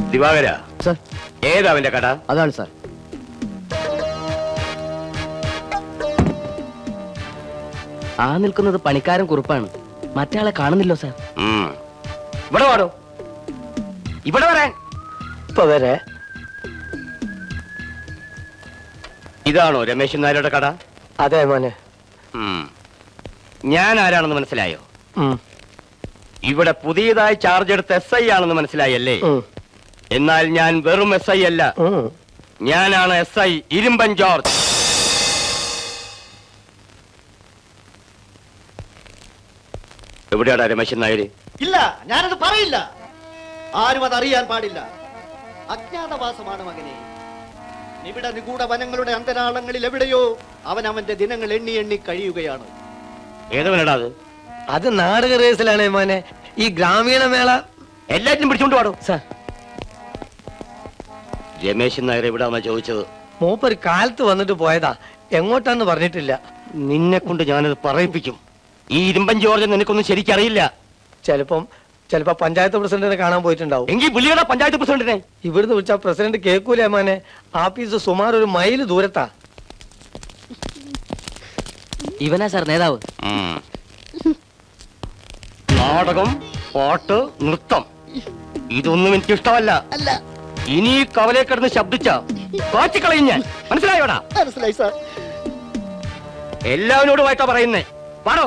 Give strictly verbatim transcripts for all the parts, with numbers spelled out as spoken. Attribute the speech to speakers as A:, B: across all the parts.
A: ദിവാകര
B: sir,
A: ഏതാ അവന്റെ കട?
B: അതാണ് സാർ. ആ നിൽക്കുന്നത് പണിക്കാരൻ കുറുപ്പാണ്. മറ്റയാളെ കാണുന്നില്ലോ സാർ.
A: ഇവിടെ വാടോ, ഇവിടെ വരാൻ.
B: ഇപ്പൊ വരെ.
A: ഇതാണോ രമേശൻ നായരുടെ കട?
B: അതെ മോനെ.
A: ഞാൻ ആരാണെന്ന് മനസ്സിലായോ? ഇവിടെ പുതിയതായി ചാർജ് എടുത്ത എസ് ഐ ആണെന്ന് മനസ്സിലായല്ലേ? എന്നാൽ ഞാൻ വെറും എസ് ഐ അല്ല, ഞാനാണ് എസ് ഐ ഇരുമ്പൻ ജോർജ്. എവിടെയാടാ രമേശൻ നായര്?
C: ഇല്ല, ഞാനത് പറയില്ല. ആരും അത് അറിയാൻ പാടില്ല. അജ്ഞാതവാസമാണ് മകനെ. നിബിഡ നിഗൂഢ വനങ്ങളുടെ അന്തരാളങ്ങളിൽ എവിടെയോ അവൻ അവന്റെ ദിനങ്ങൾ എണ്ണി എണ്ണി കഴിയുകയാണ്.
A: ഏതവനടാ അത്?
B: അത് നാടക റേസിലാണ് മോനെ. ഈ ഗ്രാമീണ മേള
A: എല്ലാറ്റിനും പിടിച്ചോണ്ട് പാടും.
B: സാർ,
A: രമേശൻ നായർ എവിടാന്നാ ചോദിച്ചത്?
B: മൂപ്പര് കാലത്ത് വന്നിട്ട് പോയതാ, എങ്ങോട്ടാന്ന് പറഞ്ഞിട്ടില്ല.
A: നിന്നെ കൊണ്ട് ഞാനത് പറയിപ്പിക്കും. ഈ ഇരുമ്പൻ ജോർജ് നിനക്കൊന്നും ശരിക്കറിയില്ല.
B: ചിലപ്പം ചിലപ്പോ പഞ്ചായത്ത് പ്രസിഡന്റിനെ കാണാൻ പോയിട്ടുണ്ടാവും.
A: എങ്കിൽ വിളിയടാ പഞ്ചായത്ത് പ്രസിഡന്റിനെ.
B: ഇവിടുന്ന് വിളിച്ചാ പ്രസിഡന്റ് കേൾക്കൂലേ മോനെ. ആഫീസ് സുമാർ ഒരു മൈല് ദൂരത്താ. ഇവനാ സാർ നേതാവ്.
A: നാടകം, പാട്ട്, നൃത്തം ഇതൊന്നും എനിക്ക് ഇഷ്ടമല്ല. ഇനി ഈ കവലെ കിടന്ന് ശബ്ദിച്ച കാച്ചിക്കളയും ഞാൻ. മനസ്സിലായോടാ?
C: മനസ്സിലായി സാർ.
A: എല്ലാവരോടുമായിട്ടാ പറയുന്നേ. പാടോ.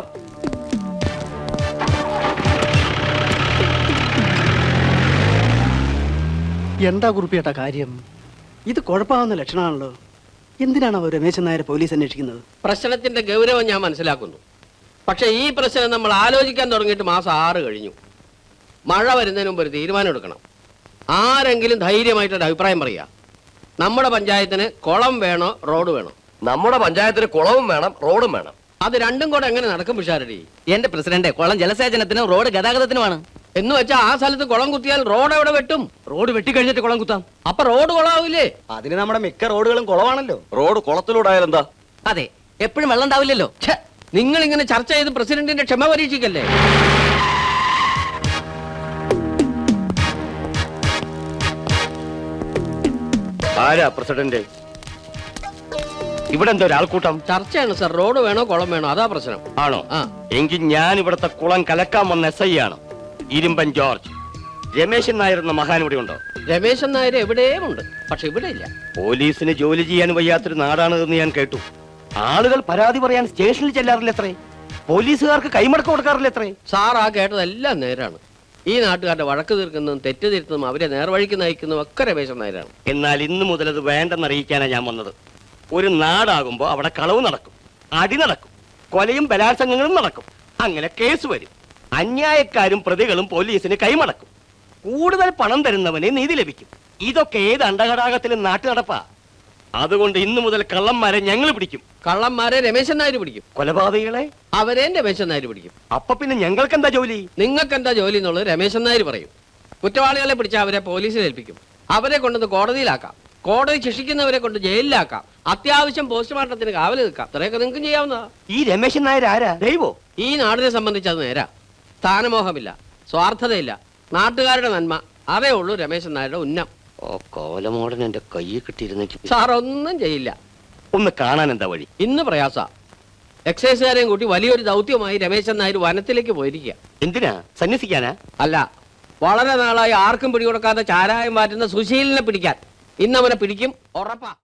D: എന്താ കുറിപ്പിയേട്ട കാര്യം? ഇത് കുഴപ്പമാവുന്ന ലക്ഷണമാണല്ലോ. എന്തിനാണ് അവർ രമേശൻ നായരെ പോലീസ് അന്വേഷിക്കുന്നത്?
E: പ്രശ്നത്തിന്റെ ഗൗരവം ഞാൻ മനസ്സിലാക്കുന്നു. പക്ഷെ ഈ പ്രശ്നം നമ്മൾ ആലോചിക്കാൻ തുടങ്ങിയിട്ട് മാസം ആറ് കഴിഞ്ഞു. മഴ വരുന്നതിന് മുമ്പ് ഒരു തീരുമാനം എടുക്കണം. ആരെങ്കിലും ധൈര്യമായിട്ടൊരു അഭിപ്രായം പറയുക. നമ്മുടെ പഞ്ചായത്തിന് കുളം വേണോ റോഡ് വേണോ?
A: നമ്മുടെ പഞ്ചായത്തിന് കുളവും വേണം, റോഡും വേണം.
E: അത് രണ്ടും കൂടെ എങ്ങനെ നടക്കും പിഷാരടി?
B: എന്റെ പ്രസിഡന്റ്, കുളം ജലസേചനത്തിനും റോഡ് ഗതാഗതത്തിനുമാണ്.
E: എന്ന് വെച്ചാൽ ആ സ്ഥലത്ത് കുളം കുത്തിയാൽ റോഡ് എവിടെ വെട്ടും?
B: റോഡ് വെട്ടിക്കഴിഞ്ഞിട്ട് കുളം കുത്താം.
E: അപ്പൊ റോഡ് കുളമാവില്ലേ?
C: അതിന് നമ്മുടെ മിക്ക റോഡുകളും കുളമാണല്ലോ.
A: റോഡ് കുളത്തിലൂടായാലും എന്താ?
B: അതെ, എപ്പോഴും വെള്ളം ഉണ്ടാവില്ലല്ലോ.
E: നിങ്ങൾ ഇങ്ങനെ ചർച്ച ചെയ്ത് പ്രസിഡന്റിന്റെ ക്ഷമ പരീക്ഷിക്കല്ലേ?
A: ആരാ പ്രസിഡന്റ്? ഇവിടെ എന്താ ഒരാൾക്കൂട്ടം?
E: ചർച്ചയാണ് സർ. റോഡ് വേണോ കുളം വേണോ, അതാ പ്രശ്നം.
A: ആണോ?
E: ആ,
A: എങ്കിൽ ഞാൻ ഇവിടത്തെ കുളം കലക്കാൻ വന്ന എസ് ഐ ആണ്, ഇരുമ്പൻ ജോർജ്. രമേശൻ നായർ എന്ന മഹാൻ ഇവിടെ ഉണ്ടോ?
E: രമേശൻ നായർ എവിടെയും ഉണ്ട്, പക്ഷെ ഇവിടെ ഇല്ല.
A: പോലീസിന് ജോലി ചെയ്യാൻ വയ്യാത്തൊരു നാടാണ് എന്ന് ഞാൻ കേട്ടു. ആളുകൾ പരാതി പറയാൻ സ്റ്റേഷനിൽ ചെല്ലാറില്ല എത്രേ? പോലീസുകാർക്ക് കൈമടക്കം കൊടുക്കാറില്ല എത്രേ?
E: സാർ ആ കേട്ടതെല്ലാം നേരാണ്. ഈ നാട്ടുകാരുടെ വഴക്ക് തീർക്കുന്നതും തെറ്റ് തിരുത്തുന്നതും അവരെ നേർവഴിക്ക് നയിക്കുന്നതും ഒക്കെ രമേശൻ നായരാണ്.
A: എന്നാൽ ഇന്നു മുതൽ അത് വേണ്ടെന്നറിയിക്കാനാണ് ഞാൻ വന്നത്. ഒരു നാടാകുമ്പോൾ അവിടെ കളവ് നടക്കും, അടി നടക്കും, കൊലയും ബലാത്സംഗങ്ങളും നടക്കും. അങ്ങനെ കേസ് വരും. അന്യായക്കാരും പ്രതികളും പോലീസിന് കൈമടക്കും. കൂടുതൽ പണം തരുന്നവന് നീതി ലഭിക്കും. ഇതൊക്കെ ഏത് അണ്ടഘടാകത്തിലും നാട്ടു നടപ്പാ. അതുകൊണ്ട് ഇന്നു മുതൽ കള്ളന്മാരെ ഞങ്ങൾ പിടിക്കും.
E: കള്ളന്മാരെ രമേശൻ നായർ പിടിക്കും.
A: കൊലപാതകികളെ
E: അവരെ രമേശൻ നായർ പിടിക്കും.
A: അപ്പൊ പിന്നെ ഞങ്ങൾക്ക് എന്താ ജോലി?
E: നിങ്ങൾക്ക് എന്താ ജോലി എന്നുള്ളത് രമേശൻ നായർ പറയും. കുറ്റവാളികളെ പിടിച്ച അവരെ പോലീസിൽ ഏൽപ്പിക്കും. അവരെ കൊണ്ടത് കോടതിയിലാക്കാം. കോടതി ശിക്ഷിക്കുന്നവരെ കൊണ്ട് ജയിലിലാക്കാം. അത്യാവശ്യം പോസ്റ്റ്മോർട്ടത്തിന് കാവൽ നിൽക്കാം. അത്രയൊക്കെ നിങ്ങൾക്ക് ചെയ്യാവുന്നതാ.
A: ഈ രമേശൻ നായർ ആരാ? ദൈവോ?
E: ഈ നാടിനെ സംബന്ധിച്ച് അത് നേരാ. സ്ഥാനമോഹമില്ല, സ്വാർത്ഥതയില്ല, നാട്ടുകാരുടെ നന്മ, അതേ ഉള്ളൂ രമേശൻ നായരുടെ ഉന്നം.
A: ഓ, കോലമോടൻ എന്റെ കയ്യിൽ കിട്ടിയിരുന്നെങ്കിൽ.
E: സാർ ഒന്നും ചെയ്യില്ല.
A: ഒന്ന് കാണാൻ എന്താ വഴി?
E: ഇന്ന് പ്രയാസ. എക്സൈസുകാരെയും കൂട്ടി വലിയൊരു ദൗത്യമായി രമേശൻ നായർ വനത്തിലേക്ക് പോയിരിക്കുക.
A: എന്തിനാ? സന്യസിക്കാനാ?
E: അല്ല, വളരെ നാളായി ആർക്കും പിടികൊടുക്കാതെ ചാരായം മാറ്റുന്ന സുശീലിനെ പിടിക്കാൻ. ഇന്ന് അവനെ പിടിക്കും, ഉറപ്പാ.